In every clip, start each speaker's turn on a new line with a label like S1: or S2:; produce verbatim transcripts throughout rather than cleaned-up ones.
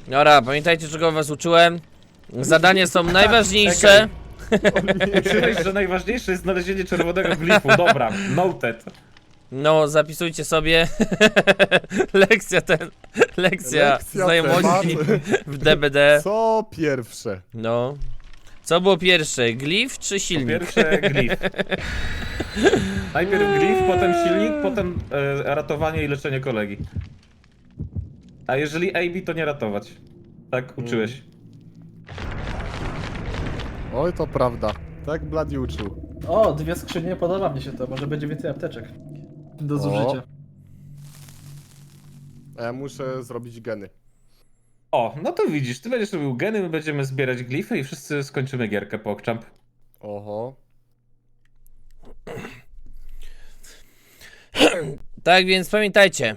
S1: Dobra, pamiętajcie, czego was uczyłem. Zadania są najważniejsze.
S2: Uczyłeś, że najważniejsze jest znalezienie czerwonego glifu. Dobra, noted.
S1: No, zapisujcie sobie. Lekcja ten. Lekcja,
S3: Lekcja
S1: znajomości
S3: temat.
S1: w D B D.
S3: Co pierwsze?
S1: No. Co było pierwsze? Glif czy
S2: Po
S1: silnik?
S2: pierwsze glif. Najpierw glif, potem silnik, potem e, ratowanie i leczenie kolegi. A jeżeli A B, to nie ratować. Tak uczyłeś.
S3: Oj, to prawda. Tak Bladi uczył.
S4: O, dwie skrzynie, podoba mi się to. Może będzie więcej apteczek do zużycia.
S3: A ja muszę zrobić geny.
S2: O, no to widzisz, ty będziesz robił geny, my będziemy zbierać glify i wszyscy skończymy gierkę PogChamp.
S3: Oho.
S1: Tak więc pamiętajcie.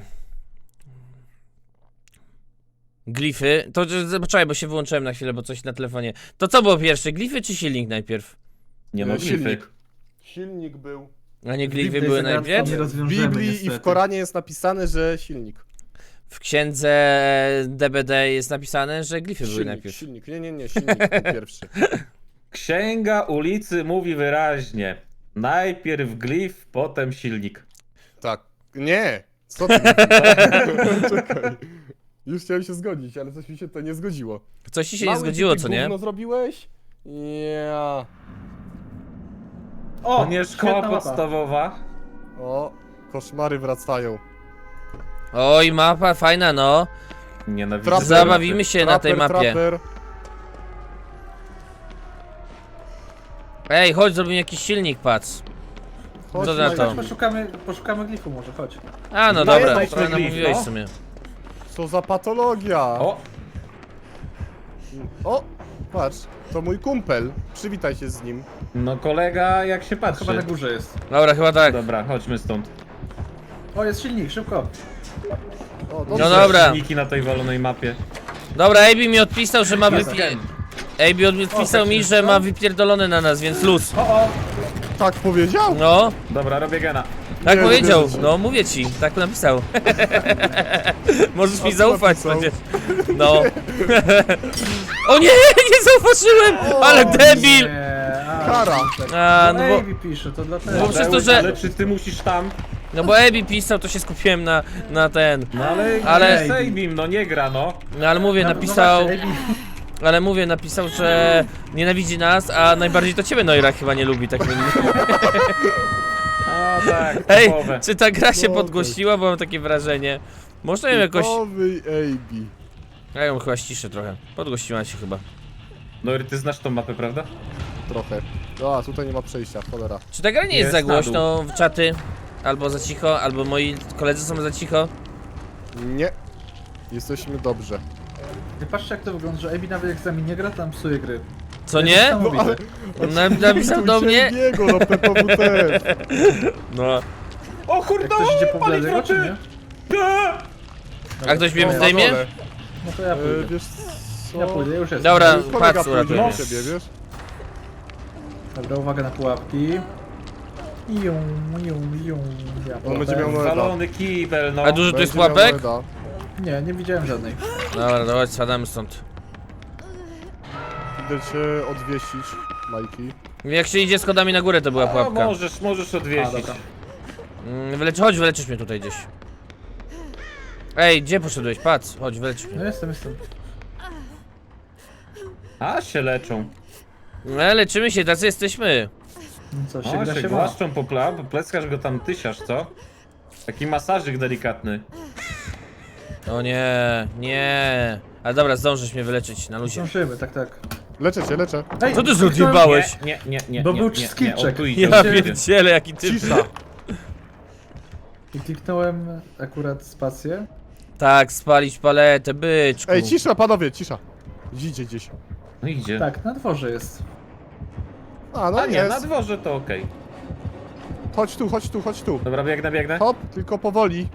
S1: Glify. To poczekaj, bo się wyłączyłem na chwilę, bo coś na telefonie. To co było pierwsze? Glify czy silnik najpierw?
S2: Nie no,
S3: E,
S2: glify.
S3: silnik. Silnik był.
S1: A nie glify
S4: Biblii
S1: były
S4: zagadką
S1: najpierw?
S4: nie
S3: W
S4: rozwiążemy,
S3: Biblii i
S4: niestety.
S3: w Koranie jest napisane, że silnik.
S1: W księdze D B D jest napisane, że glify były
S3: Silnik,
S1: najpierw.
S3: silnik. Nie, nie, nie, silnik był pierwszy.
S2: Księga ulicy mówi wyraźnie. Najpierw glif, potem silnik.
S3: Tak. Nie! Co ty mówisz? Czekaj. Już chciałem się zgodzić, ale coś mi się to nie zgodziło.
S1: Coś ci się
S3: Mały,
S1: nie zgodziło,
S3: ty
S1: co nie?
S3: gówno zrobiłeś? Ja.
S4: O,
S2: To nie szkoła
S4: świetna mapa.
S2: podstawowa.
S3: O, koszmary wracają.
S1: Oj, mapa fajna, no.
S2: Nienawidzę.
S3: Trapper.
S1: Zabawimy się na tej
S3: Trapper,
S1: mapie.
S3: trapper.
S1: Ej, chodź, zrobimy jakiś silnik, patrz.
S3: Chodź
S1: Co na
S3: na-
S1: to?
S4: Chodź, poszukamy, poszukamy glifu może, chodź.
S1: A, no
S2: No
S1: dobra,
S2: jest
S1: trochę
S2: glif,
S1: namówiłeś
S2: no.
S1: w sumie.
S3: Co za patologia!
S2: O,
S3: O, patrz, to mój kumpel. Przywitaj się z nim.
S2: no kolega jak się patrzy.
S4: Chyba na górze jest.
S1: Dobra, chyba tak.
S2: Dobra, chodźmy stąd.
S4: O, jest silnik, szybko.
S3: O,
S1: No
S3: dobrze.
S1: dobra.
S2: Silniki na tej walonej mapie.
S1: Dobra, A B mi odpisał, że ma
S2: Jest
S1: wypi...
S2: gen.
S1: A B odpisał mi, że ma wypierdolone na nas, więc luz.
S4: O, o,
S3: Tak powiedział?
S1: No,
S2: Dobra, robię gena.
S1: tak
S3: Nie,
S1: powiedział.
S3: wierzę ci.
S1: No, mówię ci, tak napisał. Możesz mi
S3: co
S1: zaufać
S3: napisał?
S1: przecież. No. O nie, nie zauważyłem! Ale debil!
S4: nie, a,
S3: Kara.
S1: A,
S4: no
S1: no
S4: bo...
S1: bo,
S4: Ivy pisze, to dlatego.
S1: Bo przez to, że-
S2: Ale czy ty musisz tam?
S1: no bo A B pisał, to się skupiłem na, na ten.
S2: No ale...
S1: Ale-
S2: Ale... Sejbim, no nie gra, no.
S1: No ale mówię,
S4: No,
S1: napisał,
S4: No właśnie, Ivy,
S1: ale mówię, napisał, że nienawidzi nas, a najbardziej to ciebie Noira chyba nie lubi, tak więc...
S2: A tak,
S1: Ej,
S2: typowe.
S1: czy ta gra się
S3: No,
S1: podgłosiła, bo mam takie wrażenie. Można ją jakoś...
S3: Typowy A B.
S1: Ja ją chyba ściszę trochę. Podgłosiła się chyba.
S2: No ty znasz tą mapę, prawda?
S3: Trochę. No, a tutaj nie ma przejścia, cholera.
S1: Czy ta gra nie jest
S2: Jest
S1: za
S2: na
S1: głośno w czaty? Albo za cicho, albo moi koledzy są za cicho?
S3: Nie. Jesteśmy dobrze.
S4: nie patrzcie jak to wygląda, że Ivy nawet jak z nami nie gra, tam psuje gry.
S1: Co
S4: To
S1: nie?
S4: jest
S3: No, ale...
S4: niesamowite.
S1: Na, napisał do mnie?
S3: Biego, no P P W T.
S1: No.
S2: O kurde,
S4: Jak ktoś idzie po
S2: pali
S4: Bladego, czy nie?
S1: A ktoś mnie
S3: No, na
S1: zdejmie?
S3: dole.
S4: No to ja
S3: E,
S4: pójdę.
S3: wiesz co?
S4: Ja pójdę, już jest.
S1: Dobra.
S3: Kolega
S1: patrz,
S3: pójdzie
S1: uratuję.
S3: do ciebie, wiesz?
S4: Dobra, uwaga na pułapki. Jum, jum, jum. Ja
S3: On będzie miał
S4: pułapę.
S2: Walony kibel, no.
S1: A dużo tu jest
S3: Będzie miał
S1: pułapek?
S3: Noeda.
S4: Nie, nie widziałem żadnej.
S1: Dobra, dawaj, spadamy stąd.
S3: Idę cię odwiesić, Majki.
S1: Jak się idzie schodami na górę, to była
S2: A,
S1: pułapka.
S2: możesz, możesz
S4: A,
S2: odwiesić.
S4: dobra.
S1: Mm, Wylecz, chodź, wyleczysz mnie tutaj gdzieś. Ej, gdzie poszedłeś? Patrz, chodź, wyleczysz
S4: No
S1: mnie.
S4: jestem, jestem.
S2: A, się leczą.
S1: No, leczymy się, tacy jesteśmy.
S4: No co, się
S2: O,
S4: gra
S2: się
S4: się ma.
S2: głaszczą po pla, po pleckach go tam tysiasz, co? Taki masażyk delikatny.
S1: O nie, nie. Ale dobra, zdążysz mnie wyleczyć na luzie.
S4: Zdążymy, tak, tak.
S3: Leczę cię, leczę.
S4: Ej,
S1: Co ty
S4: kliknąłem-
S1: zjebałeś?
S2: Nie, nie, nie,
S4: Bo
S2: nie,
S4: był
S2: nie, nie,
S4: skillczek.
S2: o, tu idzie,
S1: Ja
S2: tu idzie.
S1: pierdzielę, jaki typ.
S3: Cisza.
S4: I kliknąłem akurat spację.
S1: Tak, spalić paletę, byczku.
S3: Ej, cisza, panowie, cisza. Idzie gdzieś.
S2: No idzie.
S4: Tak, na dworze jest.
S3: A, no
S2: A nie,
S3: jest.
S2: na dworze to okej.
S3: Chodź tu, chodź tu, chodź tu.
S2: Dobra, biegnę, biegnę.
S3: Hop, tylko powoli.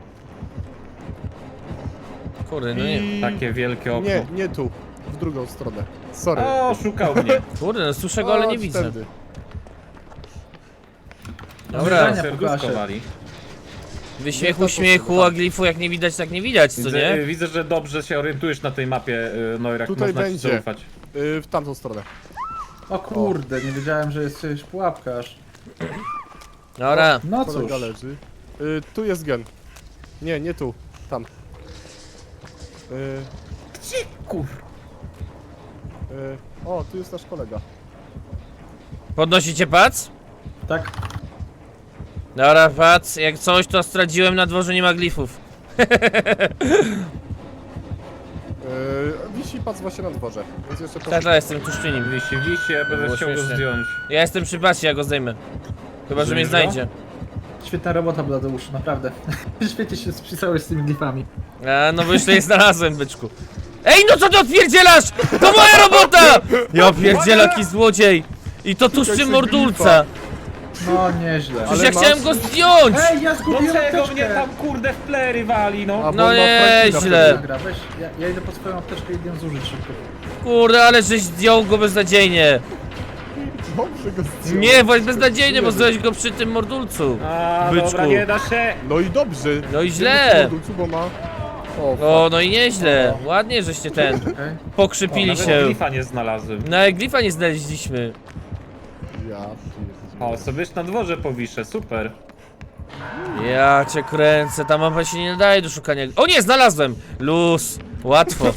S1: Kurde, no nie.
S3: I...
S2: Takie wielkie okno.
S3: Nie, nie tu. W drugą stronę. Sorry.
S2: O, szukał mnie.
S1: Kurde, no słyszę go, ale nie
S3: Chodź
S1: widzę.
S3: tędy.
S1: Dobra.
S4: Zdania
S2: Serduszko
S4: pokażę.
S2: wali.
S1: Wyśmiechu,
S3: Nie, to
S1: śmiechu,
S3: tak.
S1: a glifu jak nie widać, tak nie widać, co
S2: Widzę,
S1: nie?
S2: y, widzę, że dobrze się orientujesz na tej mapie, y, Noirak,
S3: Tutaj
S2: można ci
S3: będzie.
S2: zaufać.
S3: Y, w tamtą stronę.
S4: O kurde, nie wiedziałem, że jest jakaś pułapka aż.
S1: Dobra.
S4: No cóż.
S3: Kolega leży. Y, tu jest gen. Nie, nie tu. Tam. Y,
S2: Gdzie, kur...
S3: y, o, tu jest nasz kolega.
S1: Podnosicie pac?
S4: Tak.
S1: Dobra, pac, jak coś to stradziłem na dworze, nie ma glifów.
S3: Y, wisi pac właśnie na dworze. Więc jeszcze
S1: Tak,
S3: proszę.
S1: tak, jestem tuż przy nim.
S2: Wisi, wisi, ja będę
S1: Było
S2: chciał go
S1: śmiesznie.
S2: zdjąć.
S1: Ja jestem przy pacie, ja go zdejmę. Chyba, że mnie
S2: Zdejmiesz go?
S1: znajdzie.
S4: Świetna robota, Bladeuszu, naprawdę. Świetnie się spisałeś z tymi glifami.
S1: A, no bo już tutaj znalazłem, byczku. Ej, no co ty odpierdzielasz? To moja robota! Ja pierdzielę, jaki złodziej! I to tuż przy mordulca.
S4: No nieźle.
S1: Przecież
S3: Ale
S1: ja
S3: masz-
S1: chciałem go zdjąć!
S4: Ej, ja zgubiłem
S2: Dlaczego
S4: apteczkę!
S2: mnie tam kurde w plery wali, no?
S3: A, bo
S1: No
S3: on ma Franklina
S1: nieźle.
S4: Dobra, weź, ja, ja idę po swoją apteczkę i idę zużyć szybko.
S1: Kurde, ale żeś zdjął go beznadziejnie.
S3: Dobrze go zdjął.
S1: Nie, bo jest beznadziejnie, bo zdjąłeś go przy tym mordulcu.
S2: A,
S1: Byczku.
S2: dobra, nie da się.
S3: No i dobrze.
S1: No i
S3: Nie
S1: źle.
S3: wiem, czy bo ma... O,
S1: O, no i nieźle. Ładnie, żeście ten
S4: Okej.
S1: pokrzypili
S2: Nawet
S1: się.
S2: glifa nie znalazłem.
S1: No jak glifa nie znaleźliśmy.
S3: ja
S2: O, sobie na dworze powiszę, super.
S1: Ja cię kręcę, ta mapa się nie nadaje do szukania. O nie, znalazłem! Luz, łatwo.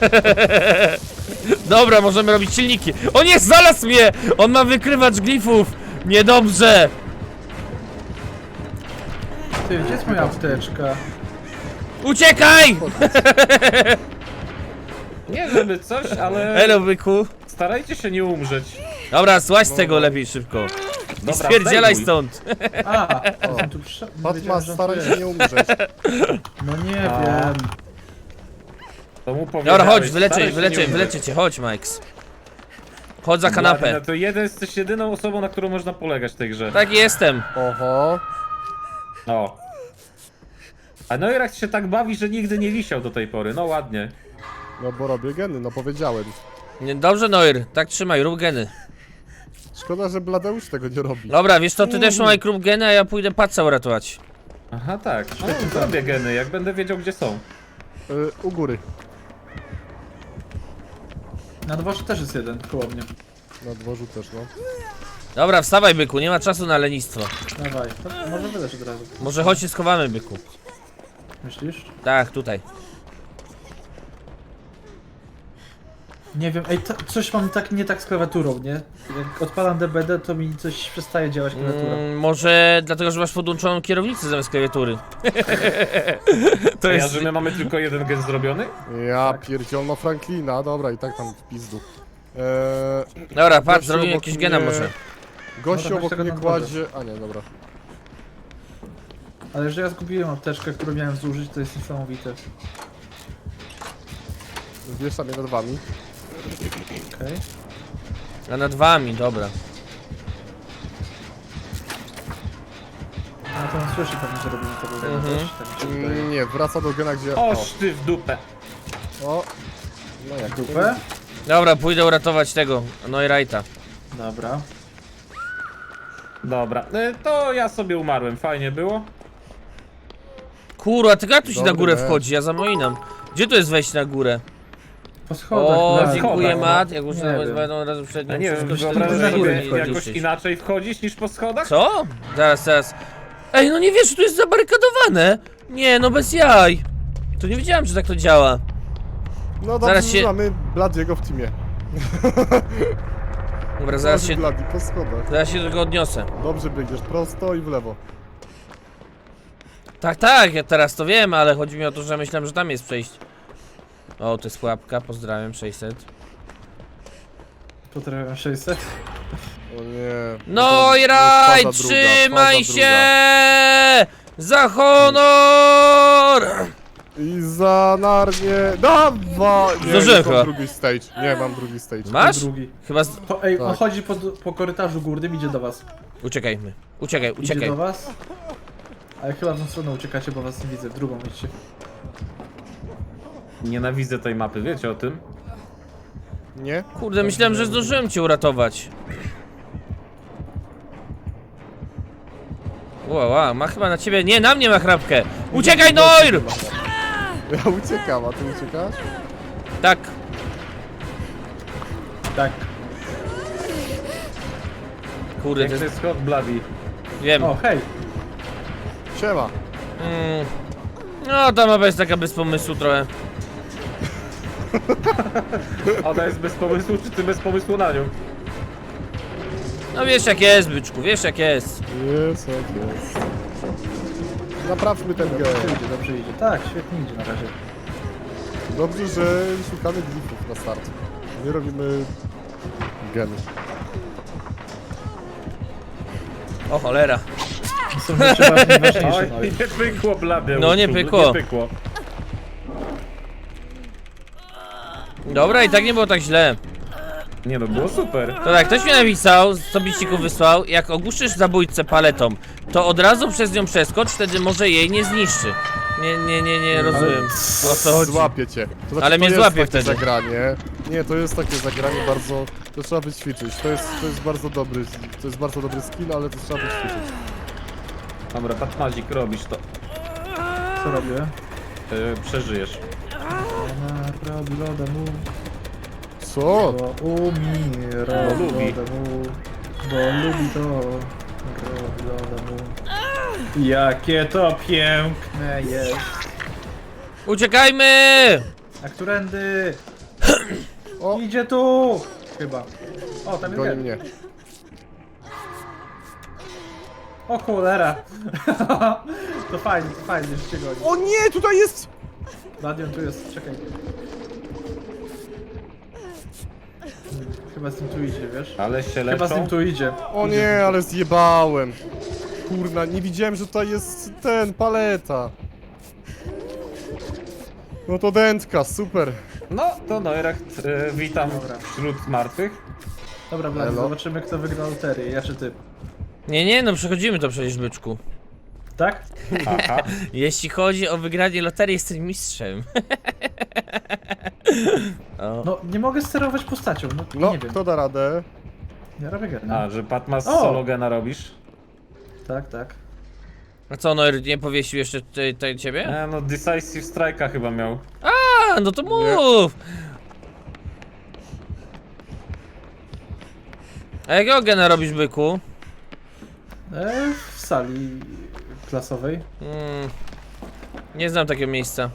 S1: Dobra, możemy robić silniki. O nie, znalazł mnie! On ma wykrywacz glifów! Niedobrze!
S4: Ty, gdzie jest moja apteczka?
S1: Uciekaj!
S2: Nie żeby coś, ale
S1: Hello, byku.
S2: starajcie się nie umrzeć.
S1: Dobra, złaź z tego lepiej szybko. I
S2: Dobra,
S1: spierdzielaj
S2: zdejmuj.
S1: stąd.
S4: A, jestem tu przy... nie
S3: Patma,
S4: wiedziałem, że on
S3: staraj
S4: tu
S3: się
S4: jest.
S3: nie umrzeć.
S4: No nie
S2: A.
S4: wiem.
S2: To mu powiedziałeś,
S1: Dobra, chodź,
S2: staraj
S1: wyleczę,
S2: się
S1: wyleczę,
S2: nie umrzeć.
S1: wyleczę cię, chodź, Mike's. Chodź za kanapę.
S2: No to jeden, jesteś jedyną osobą, na którą można polegać w tej grze.
S1: Tak jestem.
S3: Oho.
S2: O. A Noirak się tak bawi, że nigdy nie wisiał do tej pory, no ładnie.
S3: No bo robię geny, no powiedziałem.
S1: Nie, dobrze, Noir, tak trzymaj, rób geny.
S3: Szkoda, że Bladeusz tego nie robi.
S1: Dobra, wiesz co, ty też trzymaj rób geny, a ja pójdę paca uratować.
S2: Aha, tak. No, zrobię geny, jak będę wiedział, gdzie są.
S3: Y, u góry.
S4: Na dworze też jest jeden, koło mnie.
S3: Na dworzu też, no.
S1: Dobra, wstawaj, byku, nie ma czasu na lenistwo.
S4: Dawaj, to może wyleć od razu.
S1: Może chodź się schowamy, byku.
S4: Myślisz?
S1: Tak, tutaj.
S4: Nie wiem, ej, to, coś mam tak nie tak z klawiaturą, nie? Jak odpalam D B D, to mi coś przestaje działać klawiatura.
S1: Mm, może dlatego, że masz podłączoną kierownicę zamiast klawiatury. To
S2: A ja,
S1: jest...
S2: że my mamy tylko jeden gen zrobiony?
S3: Ja pierdziel, no Franklina, dobra, i tak tam w pizdu. Eee,
S1: Dobra, patrz,
S3: gościu
S1: zrobimy
S3: obok
S1: jakieś gena
S3: mnie-
S1: może.
S3: Gościu
S4: Dobra,
S3: obok
S4: weź tego
S3: mnie
S4: na dworze.
S3: kładzie... A nie, dobra.
S4: Ale że ja zgubiłem apteczkę, którą miałem zużyć, to jest niesamowite.
S3: Wiesza mnie nad wami.
S4: Okej.
S1: A nad wami, dobra.
S4: No to on słyszy pewnie, że robimy tego gena
S1: Mhm.
S4: też, tak mi się wydaje.
S3: Mm, nie, wraca do gena, gdzie...
S2: Oż ty w dupę.
S3: O! No jak
S4: Dupę?
S1: Dobra, pójdę uratować tego, Noirajta.
S4: Dobra.
S2: Dobra, y, to ja sobie umarłem, fajnie było.
S1: Kurwa, ty jak tu się na
S3: Dobry
S1: górę
S3: mecz.
S1: wchodzi? Ja zamoinam. Gdzie to jest wejść na górę?
S4: Po schodach.
S1: O,
S4: tak.
S1: dziękuję,
S2: schodach,
S1: Mat. Jak już
S4: Nie
S1: nawet
S4: wiem.
S1: będą razem przed
S2: A
S1: nią
S2: nie wiem,
S1: wszystko się
S2: wyobrażasz
S4: na górę
S2: sobie
S4: wchodzisz.
S2: jakoś inaczej wchodzić niż po schodach?
S1: Co? Zaraz, zaraz. Ej, no nie wiesz, że tu jest zabarykadowane. Nie, no bez jaj. To nie wiedziałem, że tak to działa.
S3: No dobrze,
S1: Zaraz
S3: że
S1: się-
S3: mamy Bladiego w teamie.
S1: Dobra, zaraz
S3: Chodzi
S1: się,
S3: Bladi po schodach.
S1: zaraz się do tego odniosę.
S3: Dobrze biegniesz, prosto i w lewo.
S1: Tak, tak, ja teraz to wiem, ale chodzi mi o to, że myślałem, że tam jest przejście. O, to jest pułapka, pozdrawiam, sześćset.
S4: Potrafiłem sześćset.
S3: O nie.
S1: No i
S3: Faza
S1: raj,
S3: druga,
S1: trzymaj
S3: faza
S1: się! Za honor!
S3: I za narnie. Dawa! Nie,
S1: Zdążyłem
S3: już
S1: chyba.
S3: mam drugi stage. Nie, mam drugi stage.
S1: Masz?
S4: Drugi.
S1: Chyba z...
S4: Po, ej, on
S3: Tak.
S4: chodzi po, po korytarzu górnym, idzie do was.
S1: Uciekajmy. Uciekaj,
S4: Idzie
S1: uciekaj.
S4: do was. Ale chyba w tą stronę uciekacie, bo was nie widzę. W drugą idźcie.
S2: Nienawidzę tej mapy, wiecie o tym?
S3: Nie?
S1: Kurde, myślałem, że zdążyłem cię uratować. Ła, ła, ma chyba na ciebie... Nie, na mnie ma chrapkę! Uciekaj, Noir!
S3: Ja uciekam, a ty uciekasz?
S1: Tak.
S4: Tak.
S1: Kurde, to
S2: Jak to
S1: jest...
S2: jest hot bloody.
S1: Wiem.
S4: O, hej.
S3: Siema.
S1: Mm. No, ta mapa jest taka bez pomysłu trochę.
S2: Ona jest bez pomysłu, czy ty bez pomysłu na nią?
S1: No wiesz jak jest, byczku, wiesz jak jest.
S3: Jest, ok, jest. Naprawmy ten
S4: Dobrze
S3: gen.
S4: idzie, dobrze idzie. Tak, świetnie idzie na razie.
S3: Dobrze, że szukamy glifów na start. Nie robimy geny.
S1: O cholera.
S4: Są rzeczy ważne- ważniejsze.
S2: Oj,
S4: No.
S2: nie pykło blady.
S1: No, nie pykło.
S2: Nie pykło.
S1: Dobra, i tak nie było tak źle.
S2: Nie no, było super.
S1: To tak, ktoś mi napisał, co biciku wysłał, jak ogłuszysz zabójcę paletą, to od razu przez nią przeskocz, wtedy może jej nie zniszczy. Nie, nie, nie, nie rozumiem, o co chodzi.
S3: Złapię cię. To znaczy,
S1: Ale
S3: to
S1: mnie
S3: jest
S1: złapie
S3: takie
S1: wtedy.
S3: zagranie. Nie, to jest takie zagranie bardzo... To trzeba wyćwiczyć. To jest, to jest bardzo dobry... To jest bardzo dobry skill, ale to trzeba wyćwiczyć.
S2: Dobra, Patmazik, robisz to.
S4: Co robię?
S2: Yy, przeżyjesz.
S4: Ona robi loda mu,
S3: Co?
S4: bo umie,
S2: Bo
S4: robi
S2: lubi.
S4: loda mu, bo lubi to, robi loda mu. Jakie to piękne jest.
S1: Uciekajmy!
S4: A którędy?
S3: O!
S4: Idzie tu! Chyba. O, tam jest
S3: Goni
S4: gen.
S3: mnie.
S4: O cholera! To fajnie, to fajnie, że cię goni.
S3: O nie, tutaj jest...
S4: Radion tu jest, czekaj. Hmm, Chyba z tym tu idzie, wiesz?
S2: Ale się
S4: Chyba z tym
S2: leczą.
S4: tu idzie.
S3: O nie, ale zjebałem. Kurna, nie widziałem, że tutaj jest ten, paleta. No to dętka, super.
S2: No, to Neuracht, yy, witam
S4: Dobra.
S2: wśród martwych.
S4: Dobra, Vlad,
S3: Elo.
S4: zobaczymy kto wygra loterię, ja czy ty.
S1: Nie, nie, no przechodzimy to przecież, byczku.
S4: Tak?
S2: Aha.
S1: Jeśli chodzi o wygranie loterii, jestem mistrzem. O.
S4: No, nie mogę sterować postacią, no,
S3: No,
S4: nie wiem.
S3: kto da radę?
S4: Ja robię gena.
S2: A, że Patmas
S4: O!
S2: sologena robisz?
S4: Tak, tak.
S1: A co, Noir nie powiesił jeszcze tutaj tutaj ciebie?
S2: E, no, Decisive Strike'a chyba miał.
S1: A, no to mów! A jakiego gena robisz, byku?
S4: E, w sali klasowej.
S1: Mm, nie znam takiego miejsca.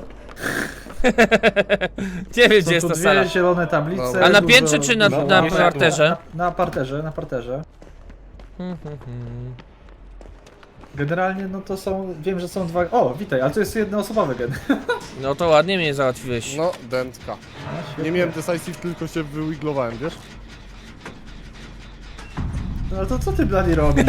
S1: Nie wiem,
S4: Są
S1: gdzie jest
S4: tu
S1: ta
S4: dwie
S1: sala.
S4: zielone tablice.
S3: Dobra.
S1: A na
S4: dużo-
S1: piętrze czy na,
S4: dużo-
S1: na
S2: dużo-
S1: parterze?
S4: Na, na parterze, na parterze.
S1: Hmm, hmm, hmm.
S4: Generalnie no to są, wiem, że są dwa... O, witaj, ale to jest jednoosobowy gen.
S1: No to ładnie mnie załatwiłeś.
S3: No, dętka. Nie miałem decisive, tylko się wywiglowałem, wiesz?
S4: No ale to co ty, Bloody, robisz?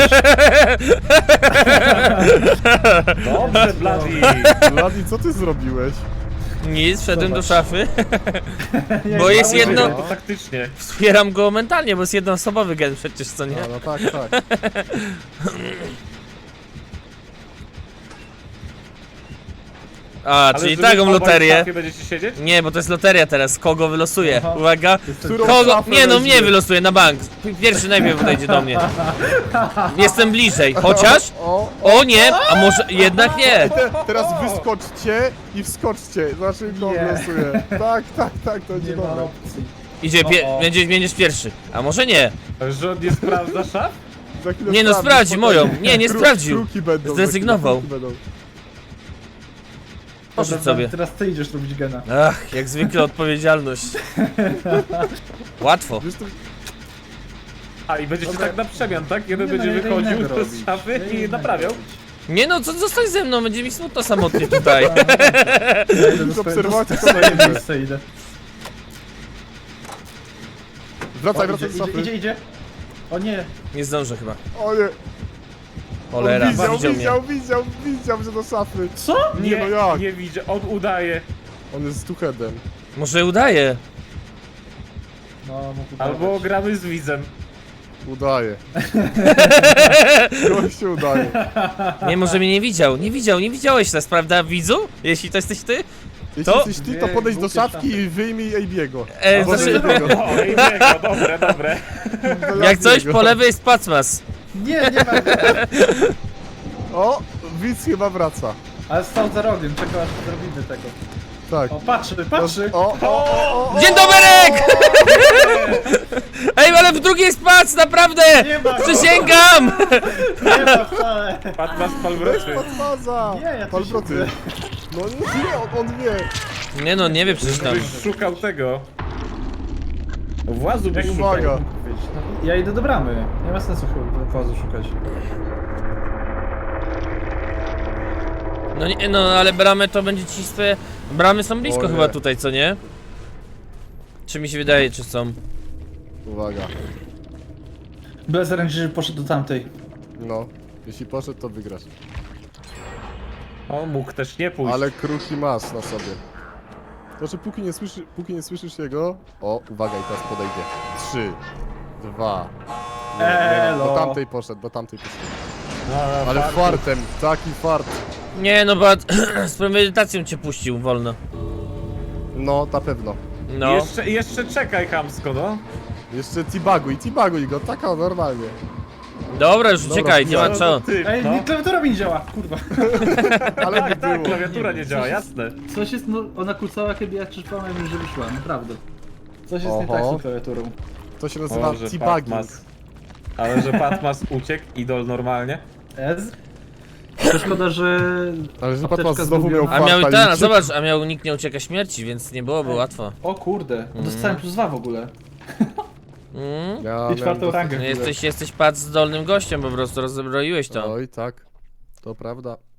S2: Dobrze, Bloody!
S3: Vladi, co ty zrobiłeś?
S1: Nic, wszedłem do
S4: Zobacz.
S1: szafy.
S4: Nie,
S1: Bo jest
S4: mało
S1: jedno-
S4: tego.
S2: To taktycznie.
S1: Wspieram go mentalnie, bo jest jednoosobowy gen przecież, co nie?
S3: A, no tak, tak.
S1: A,
S2: Ale
S1: czyli
S2: żeby
S1: taką
S2: obaj w
S1: loterię.
S2: szafie będziecie siedzieć?
S1: Nie, bo to jest loteria teraz, kogo wylosuje.
S4: Aha.
S1: Uwaga.
S3: Którą
S1: Kogo?
S3: szafę
S1: Nie no,
S3: weźmie?
S1: mnie wylosuje na bank. Pierwszy najpierw podejdzie do mnie. Jestem bliżej, chociaż...
S3: O,
S1: O nie, a może jednak nie.
S3: te, teraz wyskoczcie i wskoczcie. Znaczy, kto
S4: Nie.
S3: losuje. Tak, tak, tak, to będzie
S4: Nie ma
S3: dobre.
S4: opcji.
S1: Idzie, pie
S4: O, o.
S1: będziesz, będziesz pierwszy. A może nie.
S2: Że on nie sprawdza szaf?
S3: Za chwilę
S1: Nie no,
S3: sprawdzi,
S1: sprawdzi
S3: spokojnie.
S1: moją. Nie, nie
S3: Kru-
S1: sprawdził.
S3: Kruki będą. za
S1: Zrezygnował.
S3: chwilę kruki będą.
S1: Poszedł
S4: Dobra,
S1: sobie.
S4: Teraz ty idziesz robić gena.
S1: Ach, jak zwykle odpowiedzialność. Łatwo.
S3: Wiesz, to...
S2: A, i będziecie
S4: Dobra.
S2: tak na przemian, tak? Jeden
S4: Nie, no,
S2: będzie
S4: ja idę
S2: wychodził
S4: innego
S2: z
S4: robić.
S2: szafy
S4: Ja idę
S2: i
S4: innego
S2: naprawiał.
S4: robić.
S1: Nie no, co zostań ze mną, będzie mi smutno samotnie tutaj.
S4: Ja idę do swoje-
S3: obserwować
S4: do
S3: to
S4: swoje
S3: będzie.
S4: miejsce idę.
S3: Wracaj,
S4: O,
S3: wracaj
S4: idzie,
S3: z szafy.
S4: idzie, idzie, idzie. O nie,
S1: Nie zdążę chyba.
S3: O nie.
S1: Cholera,
S3: On widział,
S1: widział mnie.
S3: widział, widział, widział, że do szafy.
S4: co?
S3: Nie, no jak?
S2: nie widzę, on udaje.
S3: On jest stuchedem.
S1: Może udaje.
S4: No, mógł
S2: Albo
S4: udawać.
S2: gramy z widzem.
S3: Udaje. Gościu udaje.
S1: Nie, może mnie nie widział. Nie widział, nie widziałeś nas, prawda, widzu? Jeśli to jesteś ty?
S3: Jeśli
S1: To-
S3: jesteś ty, to
S4: Dwie
S3: podejdź do
S4: głupie
S3: szafki
S4: szafy.
S3: i wyjmij Ejbiego.
S1: E,
S3: Albo
S1: znaczy-
S3: Ejbiego.
S2: O, i biego, dobre, dobre.
S1: Jak coś, po lewej jest Pacmas.
S4: Nie, nie ma.
S3: O, widz chyba wraca.
S4: Ale stał za rogiem, czekał aż zrobimy tego.
S3: Tak.
S4: O, patrzy, patrzy!
S3: O, o, o, o,
S1: Dzień dobry! Ej, ale w drugiej spac, naprawdę!
S4: Nie ma go.
S1: Przysięgam!
S4: Nie ma wcale!
S2: Patmas palwroczy.
S3: Podfaza!
S4: Nie, ja tu
S3: Palbroty.
S4: siedzę.
S3: No nie, on, on wie.
S1: Nie no, nie wie przecież tam.
S2: Byś szukał tego. Włazu byś
S3: Uwaga.
S2: szukał.
S4: Ja idę do bramy. Nie ma sensu chyba włazu szukać.
S1: No nie, no ale bramy to będzie ci swoje... Bramy są blisko
S3: O nie.
S1: chyba tutaj, co nie? Czy mi się wydaje, czy są?
S3: Uwaga.
S4: Bez ręki, że poszedł do tamtej.
S3: No, jeśli poszedł, to wygrasz.
S2: O, mógł też nie pójść.
S3: Ale kruki masz na sobie. To, że póki nie, słyszy, póki nie słyszysz jego... O, uwaga, i teraz podejdzie. Trzy, dwa... Nie, nie, no, do
S4: Elo.
S3: tamtej poszedł, do tamtej poszedł.
S2: No,
S3: Ale
S2: fartu.
S3: fartem, taki fart.
S1: Nie no, bo z premedytacją cię puścił wolno.
S3: No, na pewno.
S1: No.
S2: Jeszcze, jeszcze czekaj chamsko, no.
S3: Jeszcze tibaguj, tibaguj go, taka normalnie.
S1: Dobra, już
S3: Dobra,
S1: uciekaj, nie ma
S2: No,
S1: co.
S2: to ty,
S4: Ej,
S2: no.
S4: mi klawiatura mi nie działa, kurwa.
S3: Ale by
S2: Tak, tak,
S3: było.
S2: klawiatura nie działa, jasne.
S4: Coś jest, no, ona kucała, kiedy ja czyszczałem, że wyszła, naprawdę. Coś jest nie
S3: Oho.
S4: tak z tą klawiaturą.
S3: To się nazywa
S2: Boże,
S3: tibagging.
S2: Patmas. Ale że Patmas uciekł, idol normalnie.
S4: Ez? To szkoda, że...
S3: Ale że
S4: apteczka
S3: Patmas znowu miał
S4: zgubiona.
S1: A miał i
S3: farta
S1: ten, a
S3: uciekł.
S1: zobacz, a miał nikt nie ucieka śmierci, więc nie byłoby łatwo.
S4: O kurde, dostałem plus dwa w ogóle.
S1: Mm?
S3: Ja
S4: I
S3: miałem
S4: czwartą
S3: dosyć
S4: rangę.
S1: No
S3: chwilę.
S1: jesteś, jesteś patrz zdolnym gościem, po prostu rozbroiłeś to.
S3: Oj, tak. To prawda.